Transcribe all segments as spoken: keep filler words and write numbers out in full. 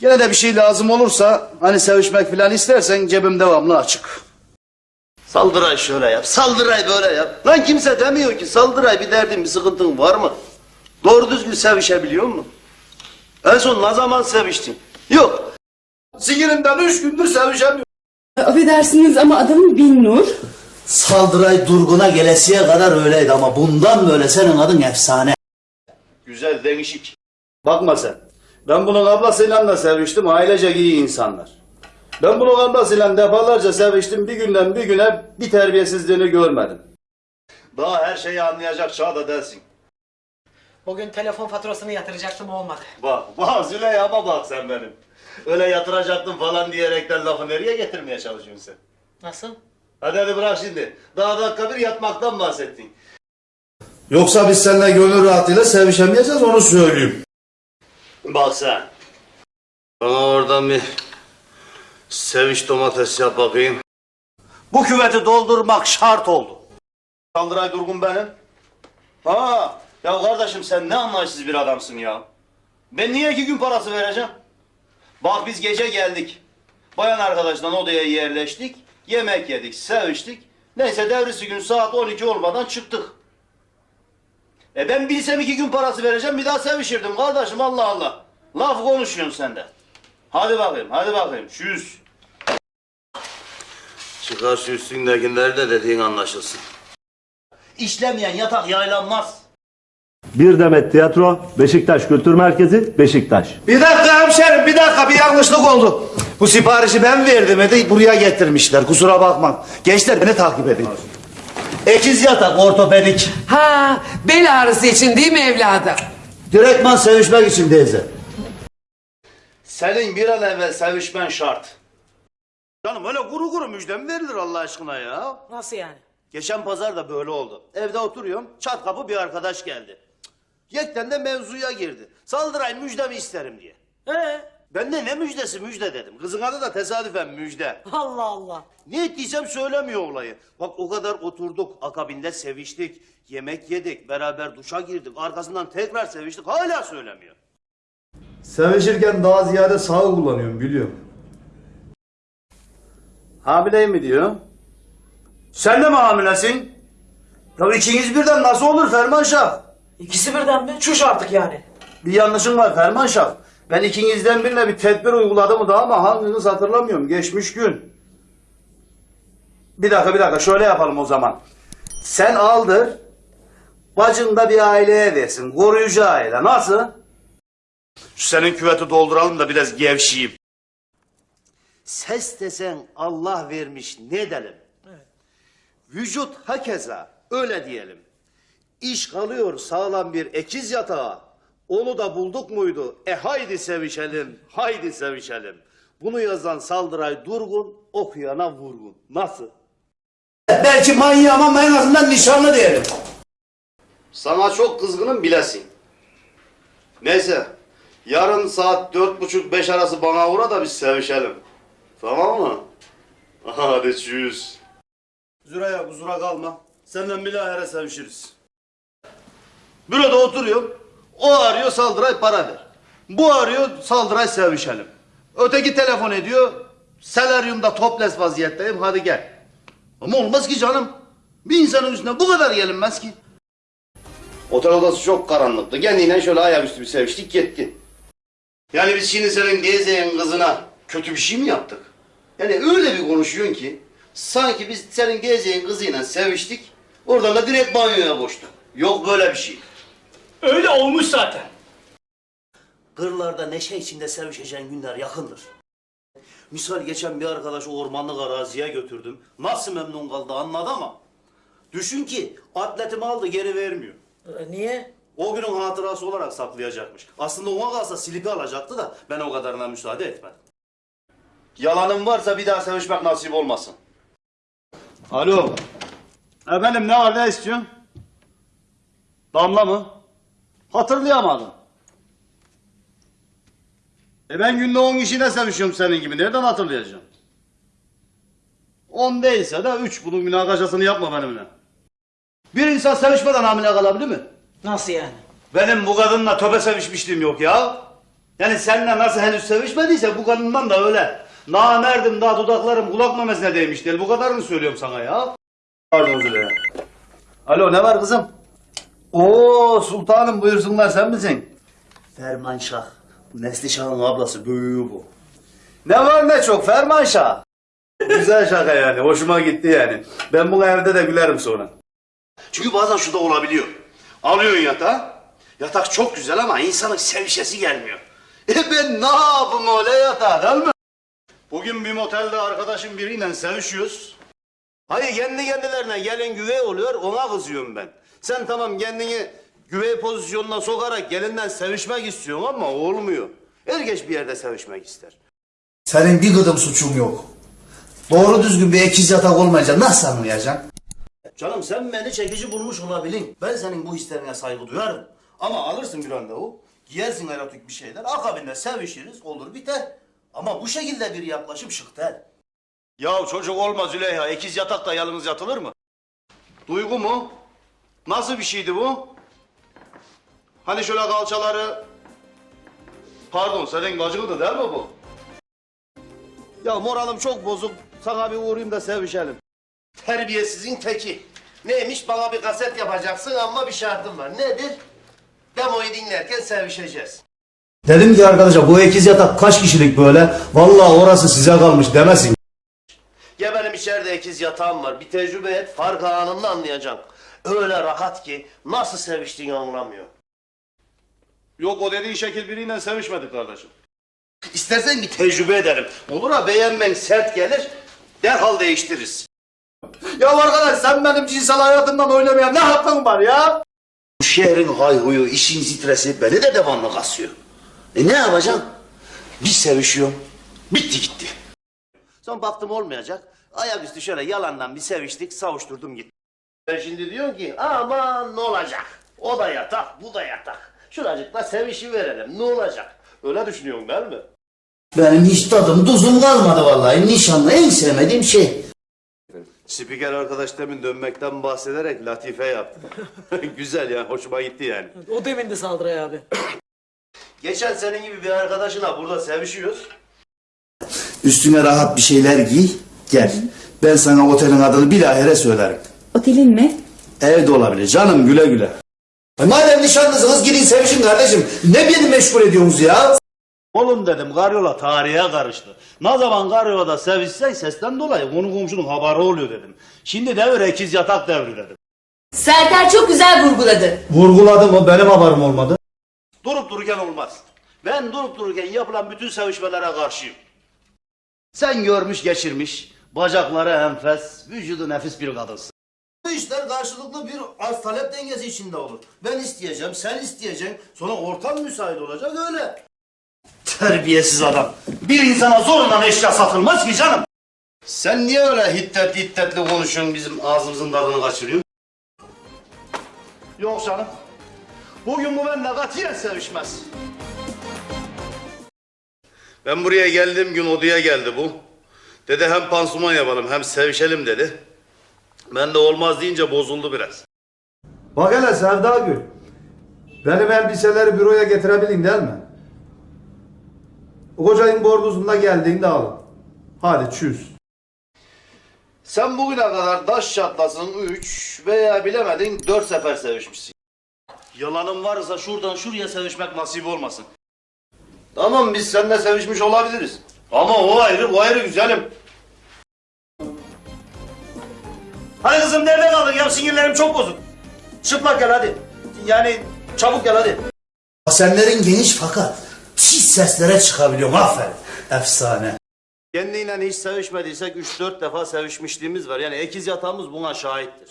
Gene de bir şey lazım olursa hani sevişmek falan istersen cebim devamlı açık. Saldıray şöyle yap, saldıray böyle yap. Lan kimse demiyor ki saldıray bir derdin bir sıkıntın var mı? Doğru düzgün sevişebiliyor musun? En son ne zaman seviştin? Yok. Sigirimden üç gündür sevişemiyorum. Affedersiniz ama adamın Binnur. Saldıray Durgun'a gelesiye kadar öyleydi ama bundan böyle senin adın efsane. Güzel, değişik. Bakma sen. Ben bunun ablasıyla da seviştim. Ailecek iyi insanlar. Ben bunun ablasıyla defalarca seviştim. Bir günden bir güne bir terbiyesizliğini görmedim. Daha her şeyi anlayacak çağda değilsin. Bugün telefon faturasını yatıracaktım, olmadı. Bak, bak Züleyha'ma bak sen benim. Öyle yatıracaktım falan diyerekten lafı nereye getirmeye çalışıyorsun sen? Nasıl? Hadi hadi bırak şimdi. Daha dakika bir yatmaktan bahsettin. Yoksa biz seninle gönül rahatıyla sevişemeyeceğiz, onu söyleyeyim. Bak sen. Bana oradan bir seviş domates yap bakayım. Bu küveti doldurmak şart oldu. Saldıray Durgun benim. Ha, ya kardeşim sen ne anlayışsız bir adamsın ya. Ben niye iki gün parası vereceğim? Bak biz gece geldik. Bayan arkadaşla odaya yerleştik. Yemek yedik, seviştik. Neyse devrisi gün saat on iki olmadan çıktık. E ben bilsem iki gün parası vereceğim bir daha sevişirdim kardeşim, Allah Allah. Laf konuşuyorsun sen de. Hadi bakayım, hadi bakayım. Şu yüz. Çıkar şu üstündekileri de dediğin anlaşılsın. İşlemeyen yatak yaylanmaz. Bir Demet Tiyatro, Beşiktaş Kültür Merkezi, Beşiktaş. Bir dakika hemşerim, bir dakika, bir yanlışlık oldu. Bu siparişi ben verdim, de buraya getirmişler, kusura bakma. Gençler beni takip edin. Ekiz yatak ortopedik. Ha, bel ağrısı için değil mi evladım? Direktman sevişmek için teyze. Senin bir an evvel sevişmen şart. Canım öyle kuru kuru müjde mi verilir Allah aşkına ya? Nasıl yani? Geçen pazar da böyle oldu. Evde oturuyorum, çat kapı bir arkadaş geldi. Yekten de mevzuya girdi. Saldıray müjdemi isterim diye. Ee? Ben de ne müjdesi müjde dedim. Kızın adı da tesadüfen Müjde. Allah Allah. Ne ettiysem söylemiyor olayı. Bak o kadar oturduk, akabinde seviştik, yemek yedik, beraber duşa girdik, arkasından tekrar seviştik, hala söylemiyor. Sevişirken daha ziyade sağ kullanıyorum, biliyorum. Hamileyim mi diyor? Sen de mi hamilesin? Ya ikiniz birden nasıl olur Ferman Şah? İkisi birden mi? Çüş artık yani. Bir yanlışım var Ferman Şah. Ben ikinizden birine bir tedbir uyguladım da ama hanginiz hatırlamıyorum. Geçmiş gün. Bir dakika bir dakika şöyle yapalım o zaman. Sen aldır. Bacın da bir aileye versin. Koruyucu aile. Nasıl? Şu senin küveti dolduralım da biraz gevşeyim. Ses desen Allah vermiş ne edelim? Evet. Vücut hakeza öyle diyelim. İş kalıyor sağlam bir ekiz yatağa. Onu da bulduk muydu? E haydi sevişelim, haydi sevişelim. Bunu yazan Saldıray Durgun, okuyana vurgun. Nasıl? Belki manyağı ama en azından nişanlı diyelim. Sana çok kızgınım bilesin. Neyse, yarın saat dört buçuk beş arası bana uğra da biz sevişelim. Tamam mı? Hadi çüz. Züreyya kusura kalma. Senden bilahare sevişiriz. Büroda oturuyorum. O arıyor Saldıray para ver. Bu arıyor Saldıray sevişelim. Öteki telefon ediyor. Seleryumda toples vaziyetteyim hadi gel. Ama olmaz ki canım. Bir insanın üstüne bu kadar gelinmez ki. Otel odası çok karanlıktı. Kendiyle şöyle ayaküstü bir seviştik gitti. Yani biz şimdi senin gezeyen kızına kötü bir şey mi yaptık? Yani öyle bir konuşuyorsun ki sanki biz senin gezeyen kızıyla seviştik. Oradan da direkt banyoya koştuk. Yok böyle bir şey. Öyle olmuş zaten. Kırlarda neşe içinde sevişeceğin günler yakındır. Misal geçen bir arkadaşı ormanlık araziye götürdüm. Nasıl memnun kaldı anladı ama. Düşün ki atletimi aldı geri vermiyor. Ee, niye? O günün hatırası olarak saklayacakmış. Aslında ona kalsa silipi alacaktı da ben o kadarına müsaade etmedim. Yalanım varsa bir daha sevişmek nasip olmasın. Alo. Efendim ne var ne istiyorsun? Damla mı? Hatırlayamadım. E ben günde on kişiyle sevişiyorum senin gibi. Nereden hatırlayacağım? On değilse de üç. Bunun münakaşasını yapma benimle. Bir insan sevişmeden hamile kalabilir mi? Nasıl yani? Benim bu kadınla töbe sevişmişliğim yok ya. Yani seninle nasıl henüz sevişmediyse bu kadından da öyle. Namerdim daha dudaklarım kulak memesine değmiş değil. Bu kadarını söylüyorum sana ya. Pardon Züleyha. Alo ne var kızım? Oo sultanım buyursunlar sen misin? Ferman Şah. Bu Neslişah'ın ablası büyüğü bu. Ne var ne çok Ferman Şah. Güzel şaka yani hoşuma gitti yani. Ben bunu evde de gülerim sonra. Çünkü bazen şu da olabiliyor. Alıyorsun yatağı. Yatak çok güzel ama insanın sevişesi gelmiyor. E ben ne yapayım öyle yatağı değil mi? Bugün bir motelde arkadaşım biriyle sevişiyoruz. Hayır kendi kendilerine gelin güvey oluyor ona kızıyorum ben. Sen tamam kendini güvey pozisyonuna sokarak gelinden sevişmek istiyorsun ama olmuyor. Herkes bir yerde sevişmek ister. Senin bir gıdım suçun yok. Doğru düzgün bir ekiz yatak olmayınca nasıl anlayacaksın? Canım sen beni çekici bulmuş olabilin. Ben senin bu hislerine saygı duyarım. Ama alırsın bir randevu, giyersin erotik bir şeyler, akabinde sevişiriz, olur biter. Ama bu şekilde bir yaklaşım şık değil. Ya çocuk olmaz Züleyha, ikiz yatakta yalnız yatılır mı? Duygu mu? Nasıl bir şeydi bu? Hani şöyle kalçaları... Pardon, senin gacıkıdı değil mi bu? Ya moralim çok bozuk, sana bir uğrayayım da sevişelim. Terbiyesizin teki. Neymiş bana bir kaset yapacaksın ama bir şartım var. Nedir? Demoyu dinlerken sevişeceğiz. Dedim ki arkadaşa bu ekiz yatak kaç kişilik böyle? Vallahi orası size kalmış demesin. Ya benim içeride ikiz yatağım var. Bir tecrübe et, farkı anında anlayacaksın. Öyle rahat ki nasıl seviştiğini anlamıyor. Yok o dediğin şekil biriyle sevişmedik kardeşim. İstersen bir tecrübe edelim. Olur ha beğenmen sert gelir, derhal değiştiririz. Ya arkadaş sen benim cinsel hayatımdan oynamaya ne hakkın var ya? Bu şehrin hayhuyu, işin stresi beni de devamlı kasıyor. E ne yapacaksın? Bir sevişiyorum, bitti gitti. Son baktım olmayacak, ayaküstü şöyle yalandan bir seviştik, savuşturdum gitti. Ben şimdi diyorum ki aman ne olacak? O da yatak, bu da yatak. Şuracıkla sevişi verelim, ne olacak? Öyle düşünüyorsun değil mi? Benim hiç tadım tuzum kalmadı vallahi. Nişanlı en sevmediğim şey. Spiker arkadaş demin dönmekten bahsederek latife yaptı. Güzel ya, hoşuma gitti yani. O demindi Saldıray abi. Geçen senin gibi bir arkadaşına burada sevişiyoruz. Üstüne rahat bir şeyler giy. Gel. Ben sana otelin adını bilahare söylerim. Otelin mi? Evde olabilir. Canım güle güle. Ay madem nişanlısınız gidin sevişin kardeşim. Ne beni meşgul ediyorsunuz ya? Oğlum dedim karyola tarihe karıştı. Ne zaman karyolada sevişsek sesten dolayı konu komşunun haberi oluyor dedim. Şimdi devir ekiz yatak devri dedim. Serter çok güzel vurguladı. Vurguladım mı benim haberim olmadı. Durup dururken olmaz. Ben durup dururken yapılan bütün sevişmelere karşıyım. Sen görmüş geçirmiş, bacakları enfes, vücudu nefis bir kadınsın. Bu işler karşılıklı bir arz talep dengesi içinde olur. Ben isteyeceğim, sen isteyeceksin. Sonra ortam müsait olacak öyle. Terbiyesiz adam. Bir insana zorundan eşya satılmaz ki canım. Sen niye öyle hiddetli hiddetli konuşuyorsun, bizim ağzımızın tadını kaçırıyorsun? Yok canım. Bugün bu benimle katiyen sevişmez. Ben buraya geldiğim gün odaya geldi bu. Dedi hem pansuman yapalım hem sevişelim dedi. Ben de olmaz deyince bozuldu biraz. Bak hele Sevda Gül. Benim elbiseleri büroya getirebilin değil mi? Kocayın borgusunda geldiğinde alın. Hadi çüz. Sen bugüne kadar taş çatlasın üç veya bilemedin dört sefer sevişmişsin. Yalanın varsa şuradan şuraya sevişmek nasip olmasın. Tamam biz seninle sevişmiş olabiliriz. Ama o ayrı bu ayrı güzelim. Hadi kızım nerede kaldın ya sinirlerim çok bozuk. Çıplak gel hadi. Yani çabuk gel hadi. Basenlerin geniş fakat pis seslere çıkabiliyorum aferin. Efsane. Kendiyle hiç sevişmediysek üç dört defa sevişmişliğimiz var. Yani ekiz yatağımız buna şahittir.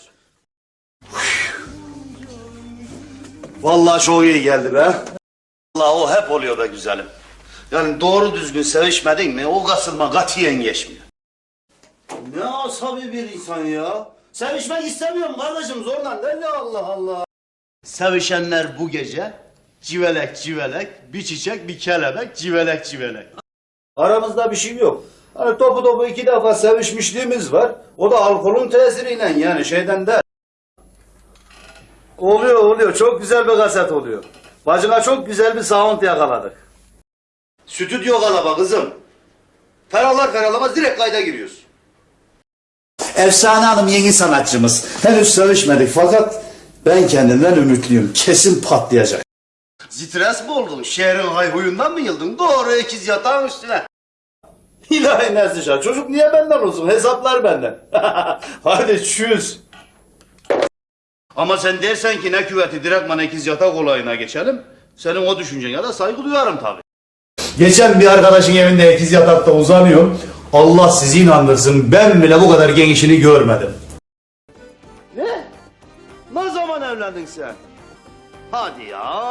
Vallahi çok iyi geldi be. Vallahi o hep oluyor be güzelim. Yani doğru düzgün sevişmedin mi o kasılma katiyen geçmiyor. Ne asabi bir insan ya. Sevişmek istemiyorum kardeşim zorla değil mi Allah Allah. Sevişenler bu gece civelek civelek, bir çiçek bir kelebek, civelek civelek. Aramızda bir şey yok. Hani topu topu iki defa sevişmişliğimiz var. O da alkolün tesiriyle yani şeyden de. Oluyor oluyor. Çok güzel bir kaset oluyor. Bacına çok güzel bir sound yakaladık. Stüdyo kalaba kızım. Ferahlar ferahlamaz direkt kayda giriyoruz. Efsane Hanım yeni sanatçımız. Henüz sevişmedik fakat ben kendimden ümitliyim. Kesin patlayacak. Stres mi oldun? Şehrin hayhuyundan mı yıldın? Doğru ikiz yatağın üstüne. İlahi Neslişah, çocuk niye benden olsun? Hesaplar benden. Hadi çüz. Ama sen dersen ki ne küveti direktman ikiz yatak olayına geçelim. Senin o düşüncene de saygı duyarım tabii. Geçen bir arkadaşın evinde ikiz yatakta uzanıyorum. Allah sizi inandırsın, ben bile bu kadar genişini görmedim. Ne? Ne zaman evlendin sen? Hadi ya.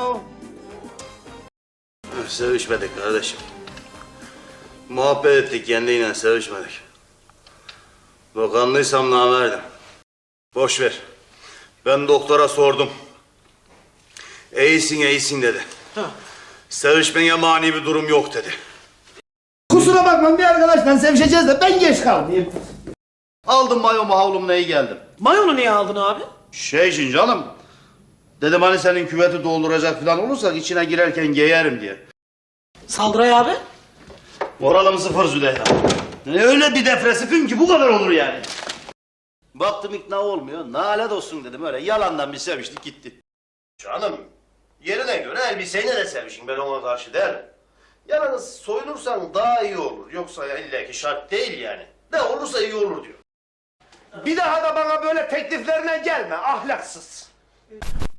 Sevişmedik kardeşim. Muhabbet ettik kendiyle sevişmedik. Bakanlıysam namerdim. Boş ver. Ben doktora sordum. İyisin iyisin dedi. Sevişmeye mani bir durum yok dedi. Kusura bakma bir arkadaşla sevişeceğiz de ben geç kalmayayım. Aldım mayomu havlumu iyi geldim. Mayonu niye aldın abi? Şey için canım. Dedim hani senin küveti dolduracak falan olursak içine girerken giyerim diye. Saldıray abi. Moralım sıfır Züleyha. Ne öyle bir depresifim ki bu kadar olur yani. Baktım ikna olmuyor. Nalet olsun dedim öyle yalandan bir seviştik gitti. Canım yerine göre elbiseyle de sevişin ben ona karşı değilim. Yalnız soyunursan daha iyi olur. Yoksa ya illa ki şart değil yani. Ne olursa iyi olur diyor. Bir daha da bana böyle tekliflerine gelme ahlaksız.